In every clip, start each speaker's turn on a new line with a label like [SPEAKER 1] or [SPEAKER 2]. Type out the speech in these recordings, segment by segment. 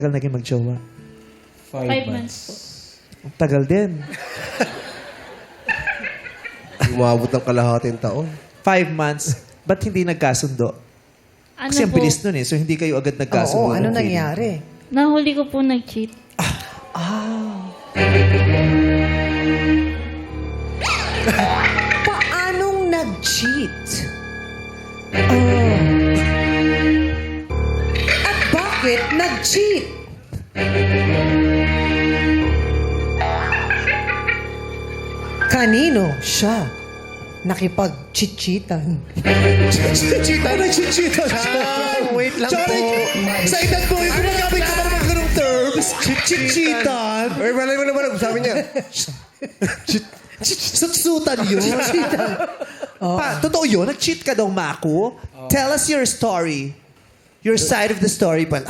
[SPEAKER 1] Tagal naging mag-jowa?
[SPEAKER 2] 5 months po.
[SPEAKER 1] Ang tagal din.
[SPEAKER 3] Umabot ng kalahating taon.
[SPEAKER 1] 5 months. Ba't hindi nagkasundo?
[SPEAKER 2] Ano
[SPEAKER 1] Kasi ang
[SPEAKER 2] po,
[SPEAKER 1] bilis nun eh. So hindi kayo agad nagkasundo.
[SPEAKER 4] Oo, ano
[SPEAKER 1] ng feeling.
[SPEAKER 4] nangyari?
[SPEAKER 2] nahuli ko po nag-cheat.
[SPEAKER 4] Paanong nag-cheat? At bakit nag-cheat? Kanino siya nakipag-cheat-cheatan?
[SPEAKER 3] Nag-cheat siya. Wait lang po.
[SPEAKER 1] Sa edad mo, yung gumagamit ka pa naman ganong terms. Chit-chitan.
[SPEAKER 3] Ay, malay mo naman. Sabi niya.
[SPEAKER 1] Sutsutan yun. Totoo yun? Nag-cheat ka daw, Maku? Tell us your story. Your side of the story pala.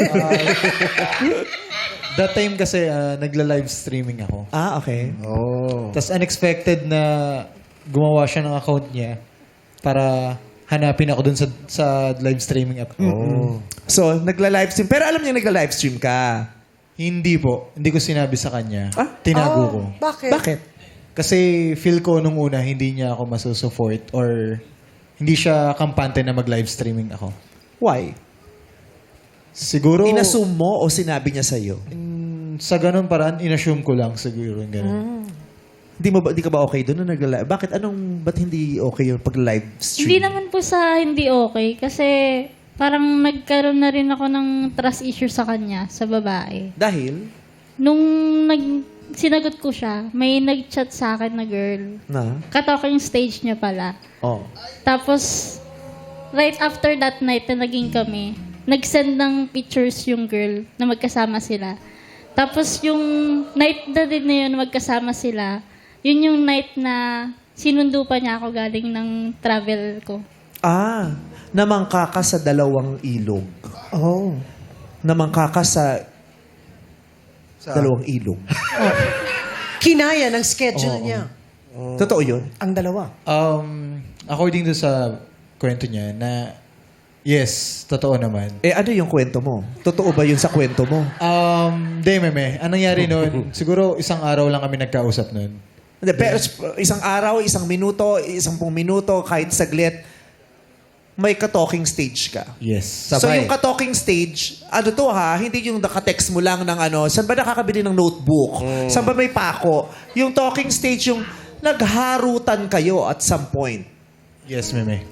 [SPEAKER 5] That time kasi nagla-live streaming ako.
[SPEAKER 1] Okay.
[SPEAKER 3] Oh.
[SPEAKER 5] Tapos unexpected na gumawa siya ng account niya para hanapin ako dun sa live streaming app.
[SPEAKER 1] So, nagla-livestream. Pero alam niya nagla-livestream ka.
[SPEAKER 5] Hindi po. Hindi ko sinabi sa kanya. Tinago ko.
[SPEAKER 4] Bakit?
[SPEAKER 1] Bakit?
[SPEAKER 5] Kasi feel ko nung una hindi niya ako masusupport or hindi siya kampante na mag-live streaming ako.
[SPEAKER 1] Why?
[SPEAKER 5] Siguro
[SPEAKER 1] Inassume mo o sinabi niya sa'yo?
[SPEAKER 5] sa ganun paraan, inassume ko lang siguro. Ganun.
[SPEAKER 1] Di ka ba okay doon na nagla-live? Ba't hindi okay yung pag-live stream?
[SPEAKER 2] Hindi naman po sa hindi okay. Kasi parang nagkaroon na rin ako ng trust issue sa kanya, sa babae.
[SPEAKER 1] Dahil?
[SPEAKER 2] Nung sinagot ko siya, may nag-chat sa akin na girl.
[SPEAKER 1] Na?
[SPEAKER 2] Katalking stage niya pala.
[SPEAKER 1] Oh.
[SPEAKER 2] Tapos, right after that night na naging kami, nag-send ng pictures yung girl na magkasama sila. Tapos yung night na din na yun magkasama sila, yun yung night na sinundo pa niya ako galing ng travel ko.
[SPEAKER 1] Namangka ka sa dalawang ilog.
[SPEAKER 4] Oh.
[SPEAKER 1] Namangka ka sa dalawang ilog.
[SPEAKER 4] Kinaya ng schedule niya.
[SPEAKER 1] Totoo yun?
[SPEAKER 4] Ang dalawa.
[SPEAKER 5] According to sa kwento niya na yes, totoo naman.
[SPEAKER 1] Ano yung kwento mo? Totoo ba yun sa kwento mo?
[SPEAKER 5] Di, meme. Anong nangyari noon? Siguro isang araw lang kami nagkausap noon.
[SPEAKER 1] Hindi, pero isang araw, isang minuto, 10 minuto, kahit saglit, may ka-talking stage ka.
[SPEAKER 5] Yes.
[SPEAKER 1] So yung ka-talking stage, hindi yung naka-text mo lang ng saan ba nakakabili ng notebook? Saan ba may pako? Yung talking stage, yung nagharutan kayo at some point.
[SPEAKER 5] Yes, meme.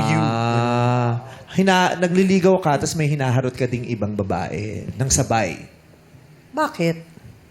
[SPEAKER 1] Nagliligaw ka, tapos may hinaharot ka ding ibang babae ng sabay.
[SPEAKER 4] Bakit?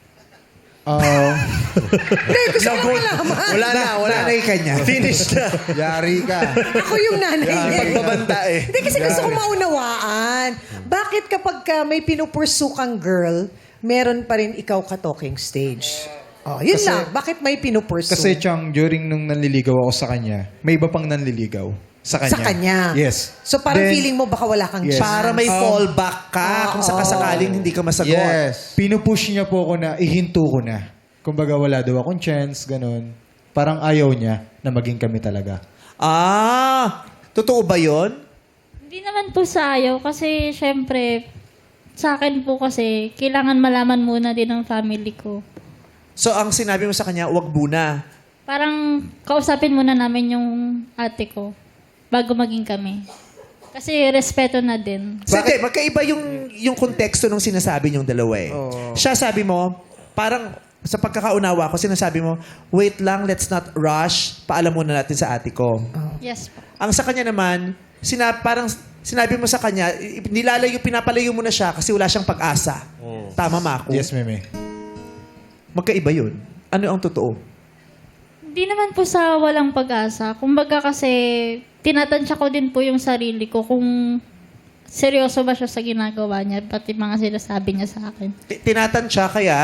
[SPEAKER 3] Hindi, gusto ko malaman.
[SPEAKER 1] Wala na yung kanya.
[SPEAKER 3] Finish na. Yari ka.
[SPEAKER 4] Ako yung nanay niya.
[SPEAKER 1] Pagbabanta eh.
[SPEAKER 4] Hindi kasi gusto ko maunawaan. Bakit kapag may pinupursu kang girl, meron pa rin ikaw ka-talking stage? Yun lang. Bakit may pinupursu?
[SPEAKER 5] Kasi Chang, during nung nanliligaw ako sa kanya, may iba pang nanliligaw sa kanya.
[SPEAKER 4] Sa kanya?
[SPEAKER 5] Yes.
[SPEAKER 4] So parang
[SPEAKER 5] Then,
[SPEAKER 4] feeling mo baka wala kang
[SPEAKER 5] Yes.
[SPEAKER 4] chance.
[SPEAKER 1] Para may fallback ka kung sakasakaling hindi ka masagot.
[SPEAKER 3] Yes.
[SPEAKER 5] Pinupush niya po ako na ihinto ko na. Kumbaga wala daw akong chance, ganun. Parang ayaw niya na maging kami talaga.
[SPEAKER 1] Totoo ba yun?
[SPEAKER 2] Hindi naman po sa ayaw kasi syempre, sa akin po kasi, kailangan malaman muna din ng family ko.
[SPEAKER 1] So ang sinabi mo sa kanya, wag muna.
[SPEAKER 2] Parang kausapin muna namin yung ate ko bago maging kami. Kasi respeto na din.
[SPEAKER 1] Bakit? Magkaiba yung konteksto nung sinasabi niyong dalawa eh. Siya sabi mo, parang sa pagkakaunawa ko, sinasabi mo, wait lang, let's not rush, paalam muna natin sa ate ko.
[SPEAKER 2] Yes po.
[SPEAKER 1] Ang sa kanya naman, parang sinabi mo sa kanya, pinapalayo mo na siya kasi wala siyang pag-asa. Tama, Mako?
[SPEAKER 5] Yes, meme.
[SPEAKER 1] Magkaiba yun. Ano ang totoo?
[SPEAKER 2] Hindi naman po sa walang pag-asa. Kumbaga kasi, tinatansya ko din po yung sarili ko kung seryoso ba siya sa ginagawa niya, pati mga sinasabi niya sa akin.
[SPEAKER 1] Tinatansya kaya,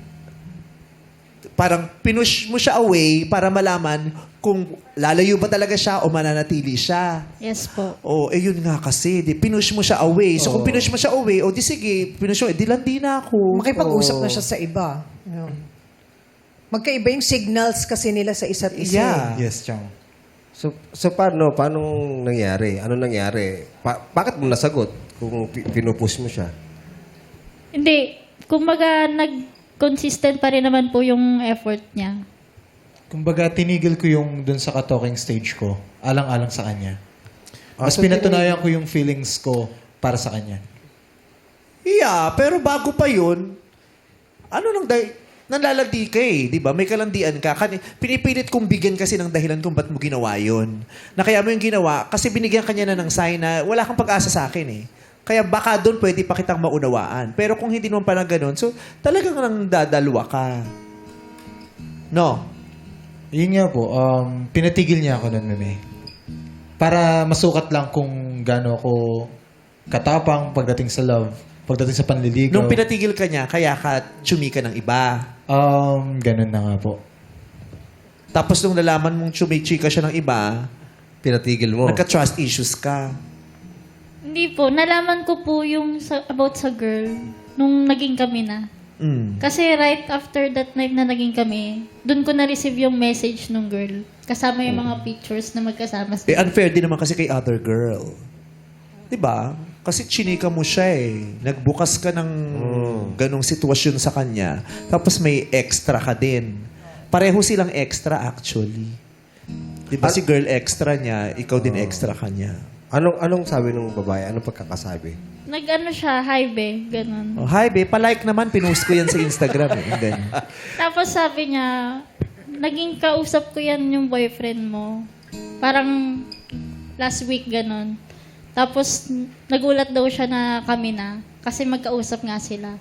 [SPEAKER 1] parang pinush mo siya away para malaman kung lalayo ba talaga siya o mananatili siya.
[SPEAKER 2] Yes po.
[SPEAKER 1] Yun nga kasi. Pinush mo siya away. So kung pinush mo siya away, di sige, pinush mo, landi na ako.
[SPEAKER 4] Makipag-usap na siya sa iba. Yun. Magkaiba yung signals kasi nila sa isa't isa.
[SPEAKER 1] Yeah.
[SPEAKER 5] Yes, Chang.
[SPEAKER 3] So paano nangyari? Ano nangyari? Bakit mo nasagot kung pinupush mo siya?
[SPEAKER 2] Hindi. Kumbaga, nag-consistent pa rin naman po yung effort niya.
[SPEAKER 5] Kumbaga, tinigil ko yung dun sa ka-talking stage ko, alang-alang sa kanya. Mas
[SPEAKER 3] so
[SPEAKER 5] pinatunayan ko yung feelings ko para sa kanya.
[SPEAKER 1] Yeah, pero bago pa yun, nanlalandi ka eh, di ba? May kalandian ka. Pinipilit kong bigyan kasi ng dahilan kung ba't mo ginawa yun. Na kaya mo yung ginawa, kasi binigyan ka niya na ng sign na wala kang pag-asa sa akin eh. Kaya baka doon pwede pa kitang maunawaan. Pero kung hindi naman pala ganun, so talagang nang dadalwa ka. No?
[SPEAKER 5] Yun nga po, pinatigil niya ako nun, Meme. Para masukat lang kung gaano ako katapang pagdating sa love, pagdating sa panliligaw.
[SPEAKER 1] Nung pinatigil ka niya, kaya ka tsumika ng iba.
[SPEAKER 5] Ganun na nga po.
[SPEAKER 1] Tapos nung nalaman mong chumichika siya ng iba,
[SPEAKER 3] Pinatigil mo.
[SPEAKER 1] nagka-trust issues ka.
[SPEAKER 2] Hindi po. Nalaman ko po yung about sa girl nung naging kami na. Kasi right after that night na naging kami, dun ko na-receive yung message nung girl. Kasama yung mga pictures na magkasama
[SPEAKER 1] Eh,
[SPEAKER 2] sila.
[SPEAKER 1] unfair din naman kasi kay other girl. Diba? Kasi chinika mo siya eh. Nagbukas ka ng ganong sitwasyon sa kanya. Tapos may extra ka din. Pareho silang extra actually. Diba si girl extra niya, ikaw din extra ka niya.
[SPEAKER 3] Anong sabi ng babae? Anong pagkakasabi?
[SPEAKER 2] Nag-ano siya, hi be, ganun.
[SPEAKER 1] Oh, hi be, palike naman. Pinost ko yan sa Instagram eh. And then,
[SPEAKER 2] Tapos sabi niya, naging kausap ko yan yung boyfriend mo. Parang last week, ganun. Tapos nagulat daw siya na kami na. Kasi magkausap nga sila.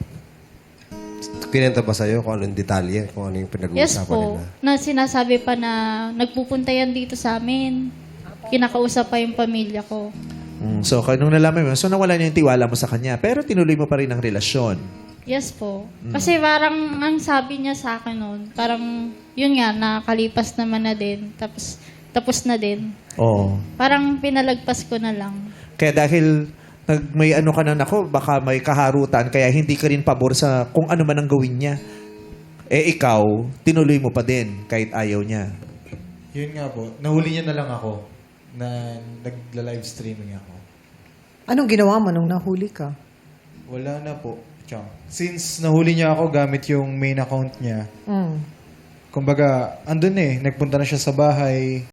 [SPEAKER 3] Kinenta ba sa'yo kung anong detalye? Kung ano yung
[SPEAKER 2] Yes
[SPEAKER 3] pinag-uusapan
[SPEAKER 2] po.
[SPEAKER 3] nila?
[SPEAKER 2] Na sinasabi pa na nagpupunta yan dito sa amin. Kinakausap pa yung pamilya ko.
[SPEAKER 1] so, nung nalaman mo, so nawala niya yung tiwala mo sa kanya. Pero tinuloy mo pa rin ang relasyon.
[SPEAKER 2] Yes po. Kasi parang ang sabi niya sa akin noon, parang yun nga, nakalipas naman na din. Tapos na din.
[SPEAKER 1] Oo.
[SPEAKER 2] Parang pinalagpas ko na lang.
[SPEAKER 1] Kaya dahil may ano ka na nako, baka may kaharutan, kaya hindi ka rin pabor sa kung ano man ang gawin niya. Eh ikaw, tinuloy mo pa din kahit ayaw niya.
[SPEAKER 5] Yun nga po, nahuli niya na lang ako na nagla-live streaming ako.
[SPEAKER 4] Anong ginawa mo nung nahuli ka?
[SPEAKER 5] Wala na po. Tiyang. Since nahuli niya ako gamit yung main account niya, kumbaga, andun eh, nagpunta na siya sa bahay.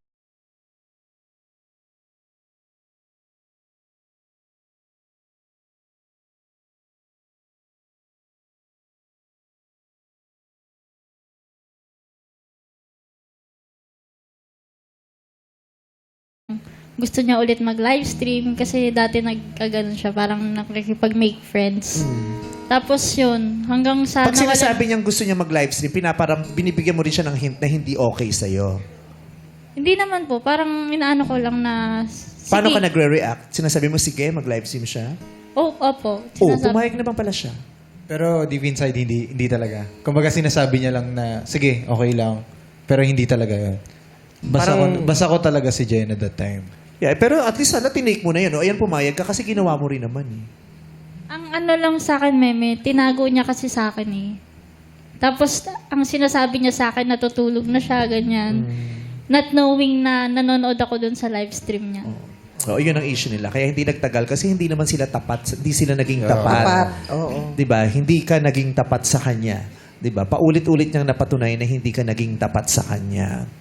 [SPEAKER 2] Gusto niya ulit mag-live stream kasi dati nagkaganon siya, parang nakikipag-make friends. Tapos yun, hanggang sa
[SPEAKER 1] Pag sinasabi niyang gusto niya mag-live stream, binibigyan mo rin siya ng hint na hindi okay sa'yo.
[SPEAKER 2] Hindi naman po, parang inaano ko lang na... Sige.
[SPEAKER 1] Paano ka nagre-react? Sinasabi mo, sige, mag-live stream siya?
[SPEAKER 2] Oh, opo.
[SPEAKER 1] Oh,
[SPEAKER 2] Sinasabi-
[SPEAKER 1] pumayag naman pala siya.
[SPEAKER 5] Pero deep inside, hindi talaga. Kumbaga sinasabi niya lang na, sige, okay lang. Pero hindi talaga yun. Basta ko talaga si Jen at that time.
[SPEAKER 1] Yeah, pero at least sana tinake mo na yun. O, ayan, pumayag ka kasi ginawa mo rin naman eh.
[SPEAKER 2] Ang ano lang sa akin, Meme, tinago niya kasi sa akin eh. Tapos, ang sinasabi niya sa akin, natutulog na siya, ganyan. Not knowing na nanonood ako dun sa live stream niya.
[SPEAKER 1] O, yun ang issue nila. Kaya hindi nagtagal kasi hindi naman sila tapat. Hindi sila naging tapat.
[SPEAKER 4] Tapat, oo.
[SPEAKER 1] Diba? Hindi ka naging tapat sa kanya. Diba? Paulit-ulit niyang napatunay na hindi ka naging tapat sa kanya.